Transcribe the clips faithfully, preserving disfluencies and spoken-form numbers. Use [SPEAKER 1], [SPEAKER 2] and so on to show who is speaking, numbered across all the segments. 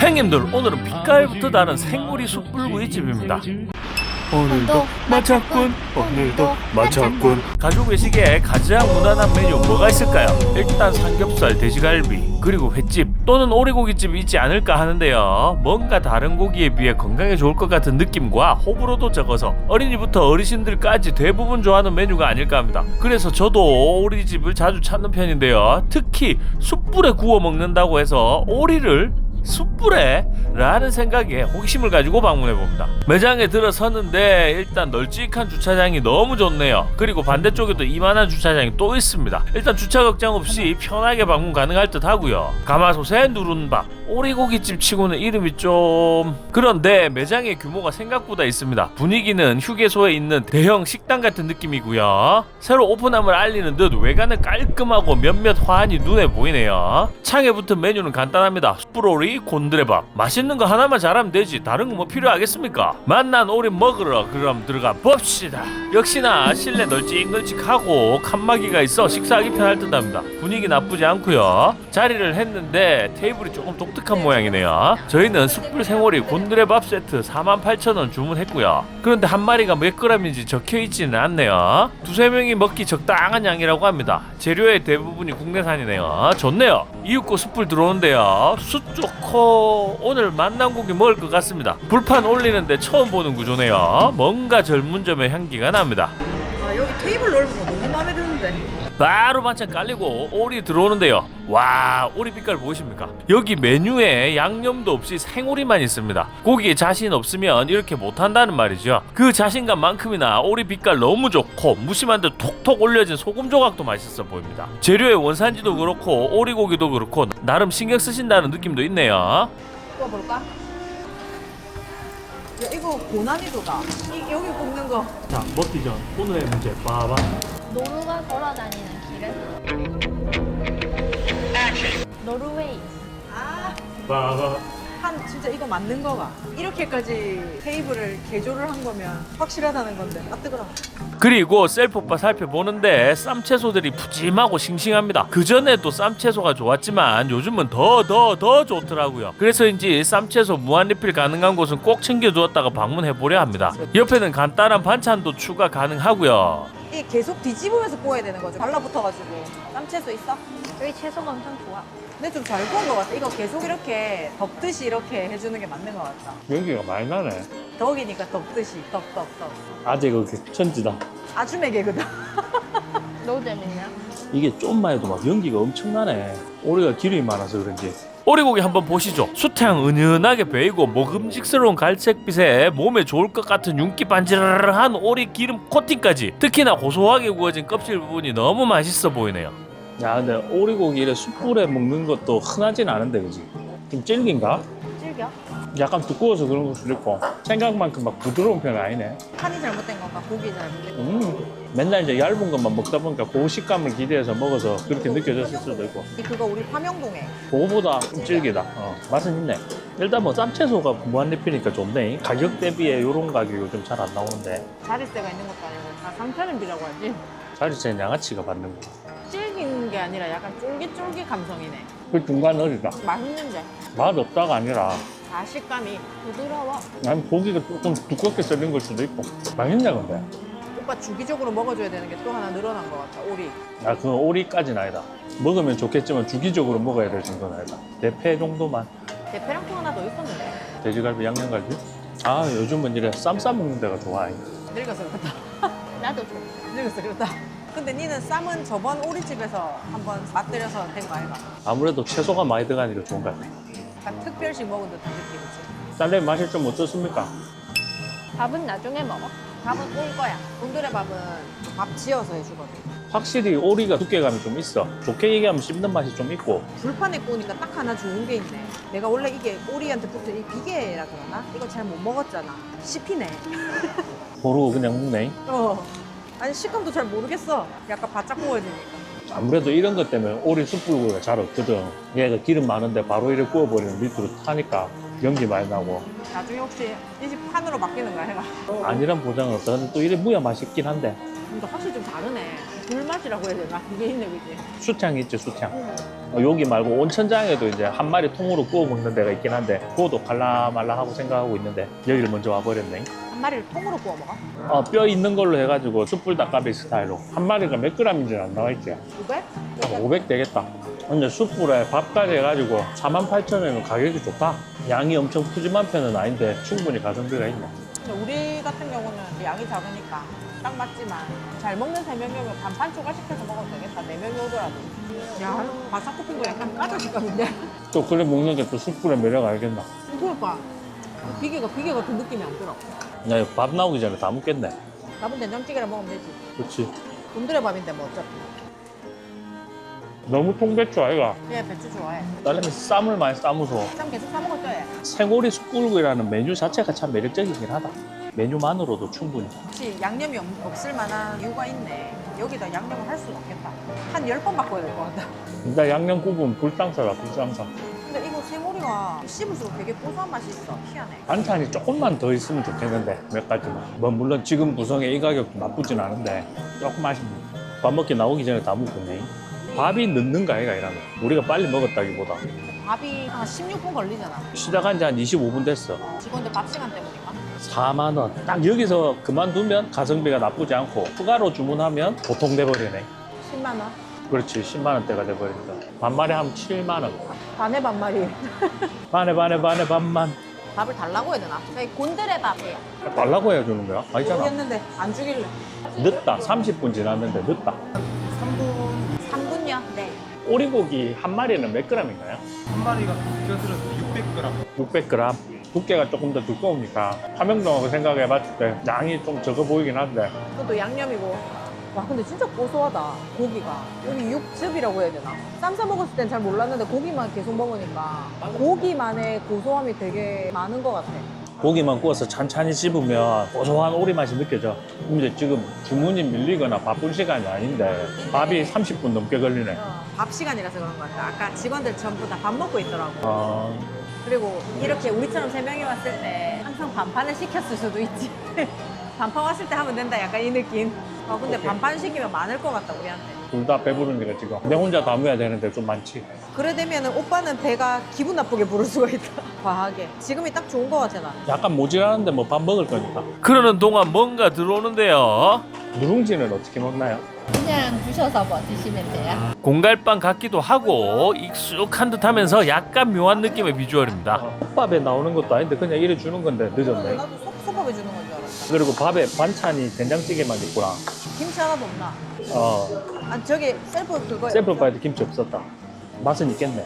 [SPEAKER 1] 사장님들, 오늘은 빛깔부터 다른 생오리 숯불구이집입니다. 오늘도 마쳤군, 오늘도 마쳤군. 가족 외식에 가장 무난한 메뉴 뭐가 있을까요? 일단 삼겹살, 돼지갈비, 그리고 횟집 또는 오리고기집이 있지 않을까 하는데요. 뭔가 다른 고기에 비해 건강에 좋을 것 같은 느낌과 호불호도 적어서 어린이부터 어르신들까지 대부분 좋아하는 메뉴가 아닐까 합니다. 그래서 저도 오리집을 자주 찾는 편인데요. 특히 숯불에 구워 먹는다고 해서 오리를 숯불에? 라는 생각에 호기심을 가지고 방문해봅니다. 매장에 들어섰는데 일단 널찍한 주차장이 너무 좋네요. 그리고 반대쪽에도 이만한 주차장이 또 있습니다. 일단 주차 걱정 없이 편하게 방문 가능할 듯 하고요. 가마솥에 누른밥, 오리고기집 치고는 이름이 좀... 그런데 매장의 규모가 생각보다 있습니다. 분위기는 휴게소에 있는 대형 식당 같은 느낌이고요. 새로 오픈함을 알리는 듯 외관은 깔끔하고 몇몇 화환이 눈에 보이네요. 창에 붙은 메뉴는 간단합니다. 숯불오리, 곤드레밥. 맛있는 거 하나만 잘하면 되지 다른 거 뭐 필요하겠습니까? 맛난 오리 먹으러 그럼 들어가 봅시다. 역시나 실내 널찍널찍하고 칸막이가 있어 식사하기 편할 듯합니다. 분위기 나쁘지 않고요. 자리를 했는데 테이블이 조금 독특한 모양이네요. 저희는 숯불 생오리 곤드레밥 세트 사만 팔천 원 주문했고요. 그런데 한 마리가 몇 그램인지 적혀있지는 않네요. 두세 명이 먹기 적당한 양이라고 합니다. 재료의 대부분이 국내산이네요. 좋네요. 이윽고 숯불 들어오는데요. 숯 좋고 오늘 만난 고기 먹을 것 같습니다. 불판 올리는데 처음 보는 구조네요. 뭔가 젊은 점의 향기가 납니다.
[SPEAKER 2] 아, 여기 테이블 넓은 거 너무 마음에 드는데.
[SPEAKER 1] 바로 반찬 깔리고 오리 들어오는데요. 와, 오리 빛깔 보이십니까? 여기 메뉴에 양념도 없이 생오리만 있습니다. 고기에 자신 없으면 이렇게 못한다는 말이죠. 그 자신감만큼이나 오리 빛깔 너무 좋고 무심한 듯 톡톡 올려진 소금 조각도 맛있어 보입니다. 재료의 원산지도 그렇고 오리고기도 그렇고 나름 신경 쓰신다는 느낌도 있네요.
[SPEAKER 2] 구워볼까? 야, 이거 고난이도다. 이, 여기 굽는 거.
[SPEAKER 1] 자, 먹기 전 오늘의 문제 봐봐.
[SPEAKER 3] 노루가 걸어다니는 길은 노르웨이.
[SPEAKER 2] 아,
[SPEAKER 1] 봐봐.
[SPEAKER 2] 한 진짜 이거 맞는 거가. 이렇게까지 테이블을 개조를 한 거면 확실하다는 건데. 아, 뜨거워.
[SPEAKER 1] 그리고 셀프바 살펴보는데 쌈채소들이 푸짐하고 싱싱합니다. 그전에도 쌈채소가 좋았지만 요즘은 더 더 더 좋더라고요. 그래서인지 쌈채소 무한리필 가능한 곳은 꼭 챙겨두었다가 방문해보려 합니다. 옆에는 간단한 반찬도 추가 가능하고요.
[SPEAKER 2] 이 계속 뒤집으면서 구워야 되는 거죠. 달라붙어가지고. 쌈채소 있어?
[SPEAKER 3] 여기 채소가 엄청 좋아.
[SPEAKER 2] 근데 좀 잘 구운 것 같아. 이거 계속 이렇게 덮듯이 이렇게 해주는 게 맞는 것 같다.
[SPEAKER 1] 연기가 많이 나네.
[SPEAKER 2] 덕이니까 덮듯이 덮덮덮.
[SPEAKER 1] 아재 그게 천지다.
[SPEAKER 2] 아주 매개거든.
[SPEAKER 3] 너무 재밌냐?
[SPEAKER 1] 이게 좀만 해도 막 연기가 엄청나네. 오리가 기름이 많아서 그런지. 오리고기 한번 보시죠. 수태향 은은하게 배이고 먹음직스러운 갈색빛에 몸에 좋을 것 같은 윤기 반질한 오리 기름 코팅까지. 특히나 고소하게 구워진 껍질 부분이 너무 맛있어 보이네요. 야, 근데 오리고기 이래 숯불에 먹는 것도 흔하진 않은데, 그지? 좀 질긴가?
[SPEAKER 3] 질겨?
[SPEAKER 1] 약간 두꺼워서 그런 걸 수도 있고 생각만큼 막 부드러운 편은 아니네.
[SPEAKER 2] 간이 잘못된 건가? 고기 잘못된 건가?
[SPEAKER 1] 음, 맨날 이제 얇은 것만 먹다 보니까 그 식감을 기대해서 먹어서 그렇게 느껴졌을 수도 있고.
[SPEAKER 2] 그거 우리 파명동에.
[SPEAKER 1] 그거보다 좀 질기다. 어, 맛은 있네. 일단 뭐 쌈채소가 무한리필이니까 좋네. 가격 대비에 이런 가격이 요즘 잘 안 나오는데.
[SPEAKER 2] 자릿세가 있는 것도 아니고 다 상차림비라고 하지.
[SPEAKER 1] 자리채는 양아치가 받는 거.
[SPEAKER 2] 질긴 게 아니라 약간 쫄깃쫄깃 감성이네.
[SPEAKER 1] 그 중간 어리다.
[SPEAKER 2] 맛있는데.
[SPEAKER 1] 맛 없다가 아니라
[SPEAKER 2] 다 식감이 부드러워.
[SPEAKER 1] 난 고기가 조금 두껍게 썰린 걸 수도 있고. 맛있네 근데.
[SPEAKER 2] 오빠 주기적으로 먹어줘야 되는 게 또 하나 늘어난 것 같아. 오리.
[SPEAKER 1] 아, 그 오리까지는 아니다. 먹으면 좋겠지만 주기적으로 먹어야 될 정도는 아니다. 대패 정도만.
[SPEAKER 2] 대패랑 또 하나 더 있었는데.
[SPEAKER 1] 돼지갈비, 양념갈비? 아, 요즘은 이래 쌈 싸먹는 데가 좋아.
[SPEAKER 2] 늙어서 그렇다.
[SPEAKER 3] 나도 좋아.
[SPEAKER 2] 늙어서 그렇다. 근데 니는 쌈은 저번 오리집에서 한번 맛들여서 된 거 아이가?
[SPEAKER 1] 아무래도 채소가 많이 들어가니까 좋은 것 같아.
[SPEAKER 2] 약간 특별식 먹은 듯한 느낌이지.
[SPEAKER 1] 쌀내 맛이 좀 어떻습니까?
[SPEAKER 3] 밥은 나중에 먹어.
[SPEAKER 2] 밥은 올 거야. 곤드레 밥은 밥 지어서 해주거든.
[SPEAKER 1] 확실히 오리가 두께감이 좀 있어. 좋게 얘기하면 씹는 맛이 좀 있고.
[SPEAKER 2] 불판에 구우니까 딱 하나 좋은 게 있네. 내가 원래 이게 오리한테 붙은 이 비계라 그러나? 이거 잘 못 먹었잖아. 씹히네.
[SPEAKER 1] 모르고 그냥 먹네.
[SPEAKER 2] 어. 아니 식감도 잘 모르겠어. 약간 바짝 구워지니까.
[SPEAKER 1] 아무래도 이런 것 때문에 오리 숯불구이가 잘 없거든. 얘가 기름 많은데 바로 이렇게 구워버리면 밑으로 타니까 연기 많이 나고.
[SPEAKER 2] 나중에 혹시 이 집 판으로 바뀌는 거야 해가.
[SPEAKER 1] 아니란 보장은 없어. 근데 또 이래 무야 맛있긴 한데.
[SPEAKER 2] 근데 확실히 좀 다르네. 불맛이라고 해야 되나? 그게 있네, 그지?
[SPEAKER 1] 수창 있지, 수창.
[SPEAKER 2] 응.
[SPEAKER 1] 어, 여기 말고 온천장에도 이제 한 마리 통으로 구워 먹는 데가 있긴 한데 그것도 갈라말라하고 생각하고 있는데 여기를 먼저 와버렸네.
[SPEAKER 2] 한 마리를 통으로 구워 먹어?
[SPEAKER 1] 어, 뼈 있는 걸로 해가지고 숯불 닭갈비 스타일로 한 마리가 몇 그램인지는 안 나와 있지.
[SPEAKER 2] 오백?
[SPEAKER 1] 한 오백 되겠다. 근데 숯불에 밥까지 해가지고 사만 팔천 원이면 가격이 좋다. 양이 엄청 푸짐한 편은 아닌데 충분히 가성비가 있네.
[SPEAKER 2] 근데 우리 같은 경우는 양이 작으니까 딱 맞지만 잘 먹는 세 명이면 반판 추가시켜서 먹어도 되겠다. 네 명이 오더라도. 야, 바삭 굽힌 거 약간 까다식감인데?
[SPEAKER 1] 또 그래 먹는 게 또 숯불의 매력 알겠나?
[SPEAKER 2] 그러니까 비계가 비계 같은 느낌이 안 들어.
[SPEAKER 1] 나 이거 밥 나오기 전에 다 먹겠네.
[SPEAKER 2] 남은 된장찌개랑 먹으면 되지.
[SPEAKER 1] 그렇지.
[SPEAKER 2] 곤드레 밥인데 뭐 어차피.
[SPEAKER 1] 너무 통배추 아이가.
[SPEAKER 2] 얘 배추 좋아해.
[SPEAKER 1] 딸내미 쌈을 많이 싸무서
[SPEAKER 2] 쌈 계속 싸 먹었죠, 얘?
[SPEAKER 1] 생오리 숯불구이라는 메뉴 자체가 참 매력적이긴 하다. 메뉴만으로도 충분히.
[SPEAKER 2] 혹시 양념이 없, 없을 만한 이유가 있네. 여기다 양념을 할 수는 없겠다. 한 열 번 바꿔야 될 것 같다.
[SPEAKER 1] 일단 양념 구분 불상사라 불상사.
[SPEAKER 2] 근데 이거 생오리가 씹을수록 되게 고소한 맛이 있어. 희한해.
[SPEAKER 1] 반찬이 조금만 더 있으면 좋겠는데 몇 가지만. 뭐 물론 지금 구성에 이 가격도 나쁘진 않은데 조금 아쉽네. 밥 먹기 나오기 전에 다 먹었네. 밥이 늦는가 아이가 이러면 우리가 빨리 먹었다기보다
[SPEAKER 2] 밥이 한 십육 분 걸리잖아.
[SPEAKER 1] 시작한 지 한 이십오 분 됐어.
[SPEAKER 2] 직원들 밥 시간 때문인가?
[SPEAKER 1] 사만 원. 딱 여기서 그만두면 가성비가 나쁘지 않고 추가로 주문하면 보통 돼버리네.
[SPEAKER 2] 십만 원?
[SPEAKER 1] 그렇지 십만 원대가 돼버린다. 반말에 하면 칠만 원.
[SPEAKER 2] 반에 반말이.
[SPEAKER 1] 반에 반에 반에 반만.
[SPEAKER 2] 밥을 달라고 해야 되나? 저희 곤드레 밥이에요.
[SPEAKER 1] 달라고 해야 주는 거야? 아니잖아.
[SPEAKER 2] 모르겠는데 안 주길래.
[SPEAKER 1] 늦다. 삼십 분 지났는데 늦다.
[SPEAKER 2] 삼 분. 삼 분요? 네.
[SPEAKER 1] 오리고기 한 마리는 몇 그램인가요?
[SPEAKER 4] 한 마리가 껴들어서 육백 그램.
[SPEAKER 1] 육백 그램. 두께가 조금 더 두꺼우니까 화명동하고 생각해 봤을 때 양이 좀 적어 보이긴 한데
[SPEAKER 2] 그것도 양념이고. 와 근데 진짜 고소하다 고기가. 여기 육즙이라고 해야 되나? 쌈 싸 먹었을 땐 잘 몰랐는데 고기만 계속 먹으니까 고기만의 고소함이 되게 많은 것 같아.
[SPEAKER 1] 고기만 구워서 찬찬히 씹으면 고소한 오리 맛이 느껴져. 근데 지금 주문이 밀리거나 바쁜 시간이 아닌데 밥이 삼십 분 넘게 걸리네.
[SPEAKER 2] 어, 밥 시간이라서 그런 것 같아. 아까 직원들 전부 다 밥 먹고 있더라고.
[SPEAKER 1] 아,
[SPEAKER 2] 그리고 이렇게 우리처럼 세 명이 왔을 때 항상 반판을 시켰을 수도 있지. 반판 왔을 때 하면 된다 약간 이 느낌. 어, 근데
[SPEAKER 1] 오케이.
[SPEAKER 2] 반판 시키면 많을 것 같다 우리한테.
[SPEAKER 1] 둘 다 배부르니까 지금 내 혼자 다 먹어야 되는데 좀 많지.
[SPEAKER 2] 그래 되면 오빠는 배가 기분 나쁘게 부를 수가 있다. 과하게. 지금이 딱 좋은 것 같아 나.
[SPEAKER 1] 약간 모질하는데 뭐 밥 먹을 거니까.
[SPEAKER 5] 그러는 동안 뭔가 들어오는데요.
[SPEAKER 1] 누룽지는 어떻게 먹나요?
[SPEAKER 3] 그냥 부셔서 뭐 드시면 돼요.
[SPEAKER 5] 공갈빵 같기도 하고 익숙한 듯 하면서 약간 묘한 느낌의 비주얼입니다.
[SPEAKER 1] 밥에 나오는 것도 아닌데 그냥 이래 주는 건데 늦었네.
[SPEAKER 2] 나도 소, 소밥에 주는 건 줄 알았다.
[SPEAKER 1] 그리고 밥에 반찬이 된장찌개만 있구나.
[SPEAKER 2] 김치 하나도 없나?
[SPEAKER 1] 어,
[SPEAKER 2] 아 저기 셀프 그거야.
[SPEAKER 1] 셀프 파이도 김치 없었다. 맛은 있겠네.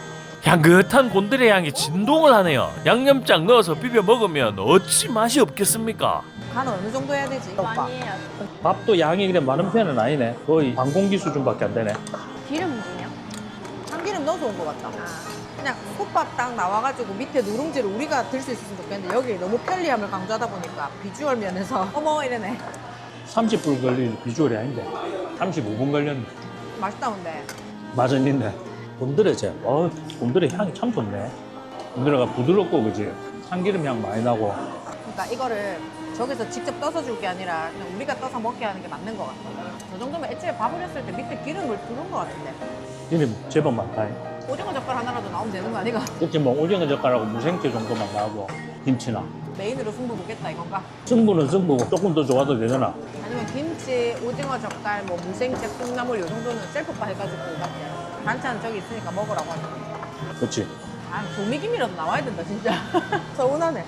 [SPEAKER 5] 향긋한 곤드레 향이 진동을 하네요. 양념장 넣어서 비벼 먹으면 어찌 맛이 없겠습니까?
[SPEAKER 2] 간은 어느 정도 해야 되지? 오빠.
[SPEAKER 3] 많이 해야 돼.
[SPEAKER 1] 밥도 양이 그래 많은 편은 아니네. 거의 반공기 수준밖에 안 되네.
[SPEAKER 3] 기름이요?
[SPEAKER 2] 참기름 넣어서 온 것 같다.
[SPEAKER 3] 아,
[SPEAKER 2] 그냥 솥밥 딱 나와가지고 밑에 누룽지를 우리가 들 수 있었으면 좋겠는데 여기 너무 편리함을 강조하다 보니까 비주얼 면에서 어머 이러네.
[SPEAKER 1] 삼십 분 걸릴 비주얼이 아닌데 삼십오 분 걸렸네.
[SPEAKER 2] 맛있다 근데.
[SPEAKER 1] 맛은 있네. 곤드레제. 어, 곤드레 향이 참 좋네. 곤드레가 부드럽고 그지? 참기름 향 많이 나고.
[SPEAKER 2] 그러니까 이거를 저기서 직접 떠서 줄 게 아니라 그냥 우리가 떠서 먹게 하는 게 맞는 것 같아. 저 정도면 애초에 밥을 했을 때 밑에 기름을 두른 것 같은데.
[SPEAKER 1] 이름 제법 많다.
[SPEAKER 2] 오징어 젓갈 하나라도 나오면 되는 거 아니가?
[SPEAKER 1] 그치 뭐 오징어 젓갈하고 무생채 정도만 나오고 김치나.
[SPEAKER 2] 메인으로 승부 보겠다 이건가?
[SPEAKER 1] 승부는 승부고 조금 더 좋아도 되잖아.
[SPEAKER 2] 아니면 김치, 오징어 젓갈, 뭐 무생채, 콩나물 요 정도는 셀프바 해가지고 맞지? 반찬 저기 있으니까 먹으라고 하지.
[SPEAKER 1] 그치?
[SPEAKER 2] 아 조미김이라도 나와야 된다 진짜. 서운하네.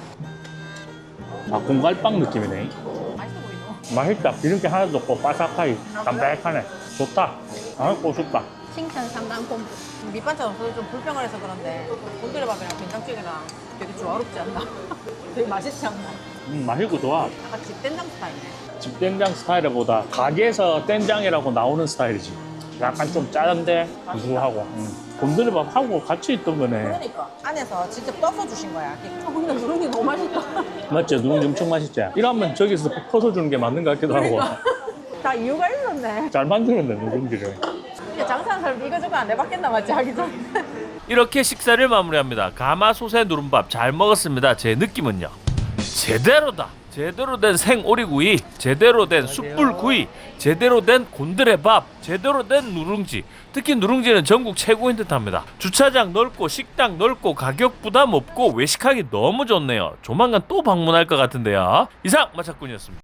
[SPEAKER 1] 아, 공갈빵 느낌이네.
[SPEAKER 2] 맛있어 보이노?
[SPEAKER 1] 맛있다. 기름기 하나도 없고 바삭하게 담백하네. 좋다. 아, 고소다.
[SPEAKER 3] 칭찬 상담 본부.
[SPEAKER 2] 밑반찬 없어서 좀 불평을 해서 그런데 곤드레밥이랑 된장찌개랑 되게 조화롭지 않나? 되게 맛있지 않나?
[SPEAKER 1] 음, 맛있고 좋아.
[SPEAKER 2] 약간 집된장 스타일이네.
[SPEAKER 1] 집된장 스타일보다 가게에서 된장이라고 나오는 스타일이지. 약간 좀 짜는데 구수하고. 음. 곤드레밥하고 같이 있던 거네.
[SPEAKER 2] 그러니까 안에서 직접 떠서 주신 거야. 아 근데 누룽지 너무 맛있다.
[SPEAKER 1] 맞지? 누룽지 엄청 맛있지? 이러면 저기서 퍼서 주는 게 맞는 것 같기도 하고.
[SPEAKER 2] 다 이유가 있었네.
[SPEAKER 1] 잘 만드는데 누룽지를.
[SPEAKER 2] 근데 장사하는 사람 이거저거 안 해봤겠나 맞지 하기 전에.
[SPEAKER 5] 이렇게 식사를 마무리합니다. 가마솥에 누른밥 잘 먹었습니다. 제 느낌은요, 제대로다. 제대로 된 생오리구이, 제대로 된 숯불구이, 제대로 된 곤드레밥, 제대로 된 누룽지. 특히 누룽지는 전국 최고인 듯합니다. 주차장 넓고 식당 넓고 가격 부담 없고 외식하기 너무 좋네요. 조만간 또 방문할 것 같은데요. 이상 마차꾼이었습니다.